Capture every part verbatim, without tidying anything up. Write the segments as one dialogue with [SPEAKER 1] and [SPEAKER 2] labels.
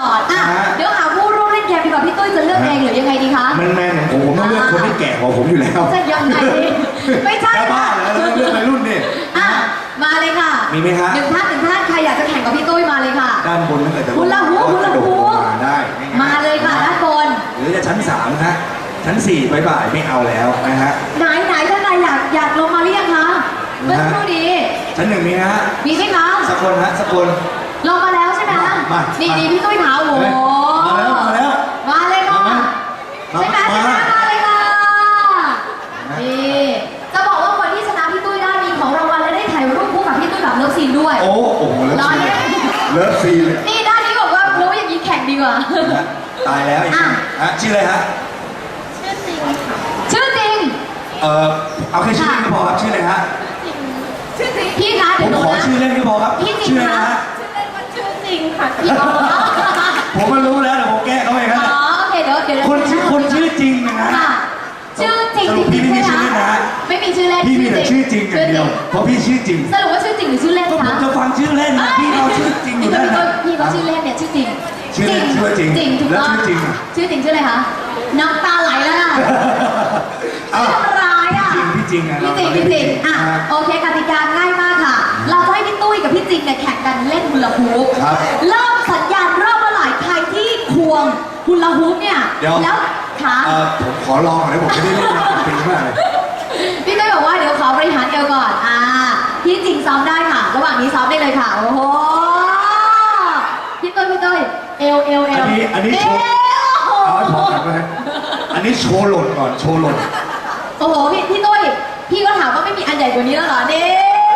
[SPEAKER 1] ก่อนอ่ะเดี๋ยวหาผู้ร่วมเล่นเกมดีกว่าพี่ตุ้ยจะเลือกเองหรือยังไงดีคะ
[SPEAKER 2] มันแมนของผมผมต้องเลือกคนที่แก่กว่าผมอยู่แล้ว
[SPEAKER 1] จะยังไงไม่ใช่
[SPEAKER 2] บ้าแล้วเลือกวัยรุ่นนี่
[SPEAKER 1] อ่ะมาเลยค่ะ
[SPEAKER 2] มีไหมคะ
[SPEAKER 1] หนึ่งท่านหนึ่งท่านใครอยากจะแข่งกับพี่ตุ้ยมาเลยค่ะ
[SPEAKER 2] ด้านบนนั่นแหละแต่
[SPEAKER 1] คุณละหูคุณละหู
[SPEAKER 2] มาได้
[SPEAKER 1] มาเลยค่ะด้านบน
[SPEAKER 2] หรือจะชั้นสามนะชั้นสี่บ่ายๆไม่เอาแล้วนะฮะ
[SPEAKER 1] ไหนไหนท่านใดอยากอยากลงมาหรือยังคะเมื่อสักครู่นี้
[SPEAKER 2] ชั้นหนึ่งมีฮะ
[SPEAKER 1] มีไหมคะ
[SPEAKER 2] สักคนฮะสักคน
[SPEAKER 1] ลงมาแล้วใช่ไหมนี่นี่พี่ตุ้ยขาวโอ้
[SPEAKER 2] มาแล้วมาแล้ว
[SPEAKER 1] มาเลยค่ะใช่ไหมใช่ไหมมาเลยค่ะนี่จะบอกว่าคนที่ชนะพี่ตุ้ยได้มีของรางวัลและได้ถ่ายรูปคู่กับพี่ตุ้ยแบบเลิฟซีนด้วย
[SPEAKER 2] โอ้โหเลิฟซีนเลิฟซีน
[SPEAKER 1] นี่ด้านนี้บอกว่ารู้อย่างนี้แข่งดีกว่า
[SPEAKER 2] ตายแล้วอ่ะฮะชื่ออะไรฮะ
[SPEAKER 1] ชื่อจริงค่ะชื่อจริง
[SPEAKER 2] เออเอาแค่ชื่อก็พอครับชื่ออะไรฮะ
[SPEAKER 1] ชื่อจริงพี่คะ
[SPEAKER 2] ผมขอชื่อเล่นก็พอครับ
[SPEAKER 1] ชื่ออะไร
[SPEAKER 2] ฮะ
[SPEAKER 1] ชื่อเล่นว่าชื่อจริงค่ะพี่อ๋อ
[SPEAKER 2] ผมก็รู้แล้วแต่ผมแก้เขาเองครับ
[SPEAKER 1] อ๋อโอเคเดี๋ยวเดี๋ยว
[SPEAKER 2] คนชื่อคนชื่อจริงนะฮะ
[SPEAKER 1] ชื่อจริง
[SPEAKER 2] พี่ไม่มีชื่อเล่นนะ
[SPEAKER 1] ไม่มีชื่อเล่น
[SPEAKER 2] พี่มีแต่ชื่อจริงอย่างเดียวเพราะพี่ชื่อจริง
[SPEAKER 1] สรุปว่าชื่อจริงหรือชื่อเล่นคะ
[SPEAKER 2] ผมจะฟังชื่อเล่นนะพี่เราชื่อจริงอยู่แล้วนะ
[SPEAKER 1] พี่เขาชื่อเล่นเนี่ยชื่อจริง
[SPEAKER 2] ชื่อเล่นชื่อจริง
[SPEAKER 1] จริงถูกต้อง
[SPEAKER 2] ชื่อจริง
[SPEAKER 1] ชื่อจริงชื่ออะไรคะน้ำตาไหลแล้วนะชื่อทำร้ายอ่ะ
[SPEAKER 2] พี่จริงอ่ะ
[SPEAKER 1] พี่จริงพี่จริงอ่ะโอเคกติกาง่ายมากค่ะเราจะให้พี่ตุ้ยกับพี่จริงเนี่ยแข่งกันเล่นฮูลาฮูปเริ่มสัญญาณเริ่มเมื่อไหร่ใครที่ควงฮูลาฮูปเนี่ยแล้วขา
[SPEAKER 2] ผมขอลองหน่อยผมจะได้เล่นเป็นมากเลย
[SPEAKER 1] พี่ตุ้ยบอกว่าเดี๋ยวขอบริหารเอวก่อนอ่าพี่จริงซ้อมได้ค่ะระหว่างนี้ซ้อมได้เลยค่ะโอ้โหพี่ตุ้ยพี่ตุ้ยเอวเอวเอว
[SPEAKER 2] อันนี้อันนี้โชว์เอาให้ผมกันไหมอันนี้โชว์หล่นก่อนโชว์หล่น
[SPEAKER 1] โอ้โหพี่พี่ตุ้ยพี่ก็ถามว่าไม่มีอันใหญ่กว่านี้แล้วเหรอเนี่ย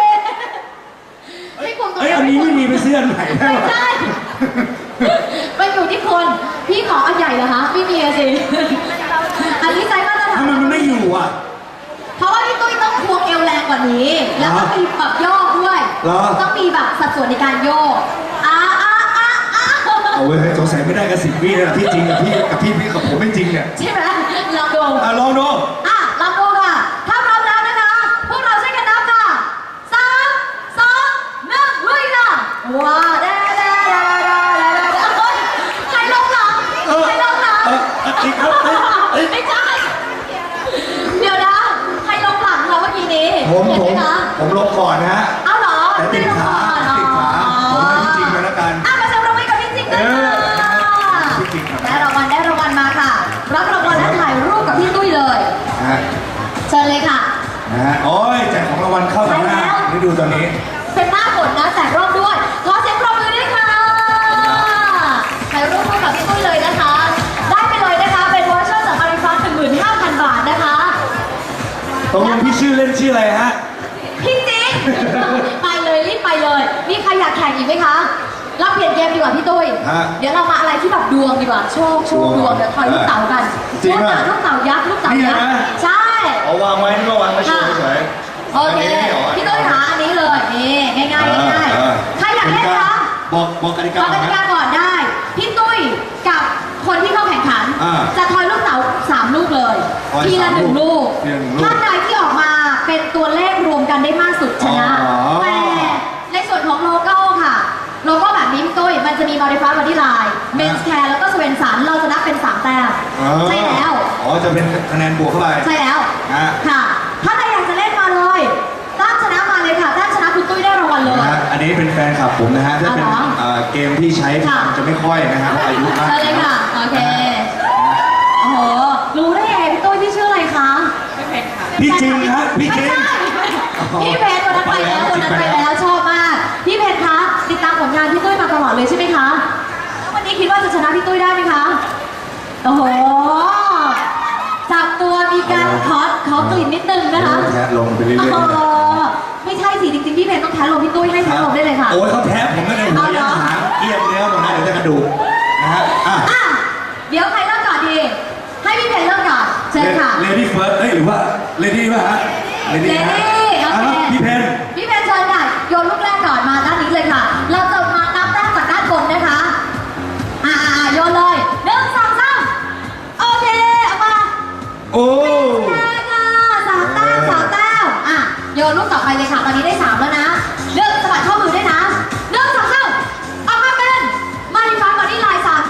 [SPEAKER 1] ไม่ควรตัว
[SPEAKER 2] เอ้ยอันนี้ไม่มีไปซื้ออันใหม่ได้
[SPEAKER 1] ไม่ได้มันอยู่ที่คนพี่ขออันใหญ่เหรอคะไม่มีสิอันนี้ใจมาตรฐาน
[SPEAKER 2] มันไม่อยู่อ่ะ
[SPEAKER 1] เพราะว่าพี่ตุ้ยต้องควงเอวแรงกว่านี้แล้วต้องมีแบบโยกด้วยต้องมีแบบสัดส่วนในการโยกอ่าอ่าอ่าอ่า
[SPEAKER 2] เอาเว้ยสงสัยไม่ได้กับสิบวินะพี่จริงกับพี่กับพี่พี่กับผมไม่จริงเนี่ย
[SPEAKER 1] ใช่ไหมลองดู
[SPEAKER 2] อ่ะลองดู
[SPEAKER 1] อ่ะลองดูค่ะถ้าพร้อมแล้วนะคะพวกเราช่วยกันนับค่ะสามสองหนึ่งลุยค่ะว้าเด้เด้เด้เด้เด้เด้เฮ้ยใครลงหลังใครลงหลัง
[SPEAKER 2] อีกครับ
[SPEAKER 1] ไม่ใช่เดี๋ยวนะใครลงหลังเราเมื่อกี้นี้
[SPEAKER 2] ผมผมผมลงก่อนนะฮะ
[SPEAKER 1] เอาเหรอ
[SPEAKER 2] แต่ติดขาติดขาผมให้พี่จริงไปแล้วกัน
[SPEAKER 1] อ่ะมาเซ็นรางวัลกับพี่จริงด้วยค่ะได้รางวัลได้รางวัลมาค่ะรับรางวัลและถ่ายรูปกับพี่ตุ้ยเลยเชิญเลยค่ะ
[SPEAKER 2] นะฮะโอ้ยแจกของรางวัลเข้ามาหน้านี่ดูตอนนี้
[SPEAKER 1] เป็นหน้าฝนนะแจกรอบด้วยขอเสียงปรบมือด้วยค่ะถ่ายรูปคู่กับพี่ตุ้ยเลยนะคะได้ไปเลยนะคะเป็นวอเชอร์จากอาริฟ้า หนึ่งหมื่นห้าพัน บาทนะคะ
[SPEAKER 2] ตรงพี่ชื่อเล่นชื่ออะไรฮะ
[SPEAKER 1] พี่จริงไปเลยรีบไปเลยมีใครอยากแข่งอีกไหมคะรับเปลี่ยนเกมดีกว่าพี่ตุ้ยเดี๋ยวเรามาอะไรที่แบบดวงดีกว่าโชคโชคดวงเดี๋ยวทอยลูกเต๋ากันลูกเต๋าลูกเต๋ายักษ์ลูกเต๋ายักษ์ใช่
[SPEAKER 2] เอาวางไว้นี่ก็วางไว้เฉย
[SPEAKER 1] ๆโอเคพี่ตุ้ยหาอันนี้เลยนี่ง่ายๆง่ายๆใครอยากเล่นคะ
[SPEAKER 2] บอกบอกกติกา
[SPEAKER 1] บอกกติกาก่อนได้พี่ตุ้ยกับคนที่เข้าแข่งขันจะทอยลูกเต๋าสามลูกเลยทีละหนึ่งลูกท่านใดที่ออกมาเป็นตัวเลขรวมกันได้มากสุดชนะแต่ในส่วนของโลโก้ค่ะโลโก้แบบนี้พี่ตุ้ยมันจะมีบริฟ้าบอดี้ไลน์เมนส์แคร์แล้วก็สเวนสันเราจะนับเป็นสามแต้มใช่แล้ว
[SPEAKER 2] อ๋อจะเป็นคะแนนบวกเข้าไป
[SPEAKER 1] ใช่แล้วค่ะถ้าใครอยากจะเล่นมาเลยตั้งชนะมาเลยค่ะตั้งชนะคุณตุ้ยได้รางวัลเลย
[SPEAKER 2] อันนี้เป็นแฟนคลับผมนะฮะถ้าเป็นเกมที่ใช้จะไม่ค่อยนะฮะอายุมาก
[SPEAKER 1] ใช่เลยค่ะโอเคโอ้โหรู้ได้ไงพี่ตุ้ยพี่ชื่ออะไรคะพี่เพชรค่ะ
[SPEAKER 2] พี่จริงครับพี่จริง
[SPEAKER 1] พี่เพชรวันนั้นไปแล้ววันนั้นไปแล้วชอบมากพี่เพชรคะติดตามผลงานพี่ตุ้ยมาตลอดเลยใช่ไหมคะแล้ววันนี้คิดว่าจะชนะพี่ตุ้ยได้ไหมคะโอ้โหจับตัวมีการขอขอกลิ่นนิดนึงนะคะ
[SPEAKER 2] แทะลงไปเรื่อย
[SPEAKER 1] ๆไม่ใช่สิจริงๆพี่เพชรต้องแทะลงพี่ตุ้ยให้แทะลงได้เลยค่ะ
[SPEAKER 2] โอ้ยเขาแทะผมไม่ได้หัวยันหางเกียบเนื้อหมดนะเดี๋ยวจะกระดูกนะฮะ
[SPEAKER 1] อ่ะเดี๋ยวใครเริ่มก่อนดีให้พี่เพชรเริ่มก่อนเชิญค่ะ
[SPEAKER 2] เลดี้เฟิร์สเอ้ยหรือว่าเลดี้ป่ะฮะ
[SPEAKER 1] เลดี้โอเค
[SPEAKER 2] พี่เพชร
[SPEAKER 1] พี่เพชรเชิญค่ะโยนลูกแรกก่อนมาด้านนี้เลยค่ะเราจะมานับแต้มจากด้านบนนะคะอ่าโยนเลยหนึ่งสองสามโอเคเอามา
[SPEAKER 2] โอ้
[SPEAKER 1] สามแต้มสามแต้มอ่ะโยนลูกต่อไปเลยค่ะตอนนี้ได้สามแล้วนะเลือกสะบัดข้อมือด้วยนะหนึ่งสองสามออกมาเป็นมาริฟ้าบอดี้ไลน์สาม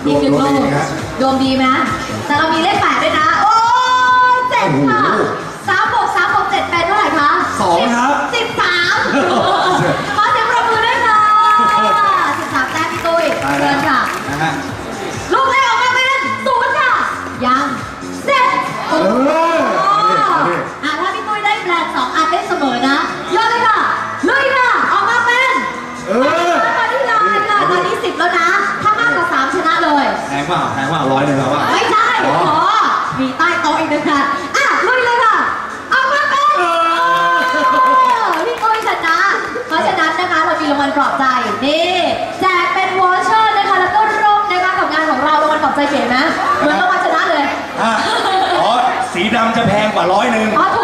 [SPEAKER 1] อีกหนึ่งลูกดวงดีไหมแต่เรามีเลขแปดด้วยนะ โอ้ยเจ็ดค่ะสามบวกสามบวกเจ็ดเป็นเท่าไหร่คะ
[SPEAKER 2] สองครับ
[SPEAKER 1] สิบสามขอเสียงปรบมือด้วยค่ะสิบสามแต้มพี่ตุ้ยเชิญค่ะ
[SPEAKER 2] นะฮะ
[SPEAKER 1] ลูกแรกออกมาเป็นศูนย์ค่ะ ยังเสร็จโอ้โหอ่ะถ้าพี่ตุ้ยได้แบรนด์สองอันได้เสมอนะยอดเลยค่ะลุยค่ะ ออกมาเป็น
[SPEAKER 2] เออ
[SPEAKER 1] ตอนนี้ไลน์ค่ะตอนนี้สิบแล้วนะ ถ้ามากกว่าสามชนะเลย
[SPEAKER 2] แพงเปล่าแพงเปล่าร้อยหนึ่งแล้วว่า
[SPEAKER 1] ไม่ใช่โอ้โหมีใต้โต๊ะอีกหนึ่งค่ะอ่ะลุยเลยค่ะ ออกมาเป็นพี่ตุ้ยชนะ เพราะฉะนั้นนะคะเรามีรางวัลปลอบใจนี่แจกเป็นวอเชอร์นะคะแล้วก็ร่มนะคะกับงานของเรารางวัลปลอบใจเก๋ไหมเหมือนรางวัลชนะเลย
[SPEAKER 2] อ่ะอ๋อ สีดำจะแพงกว่าร้อยหนึ่ง
[SPEAKER 1] อ๋อถู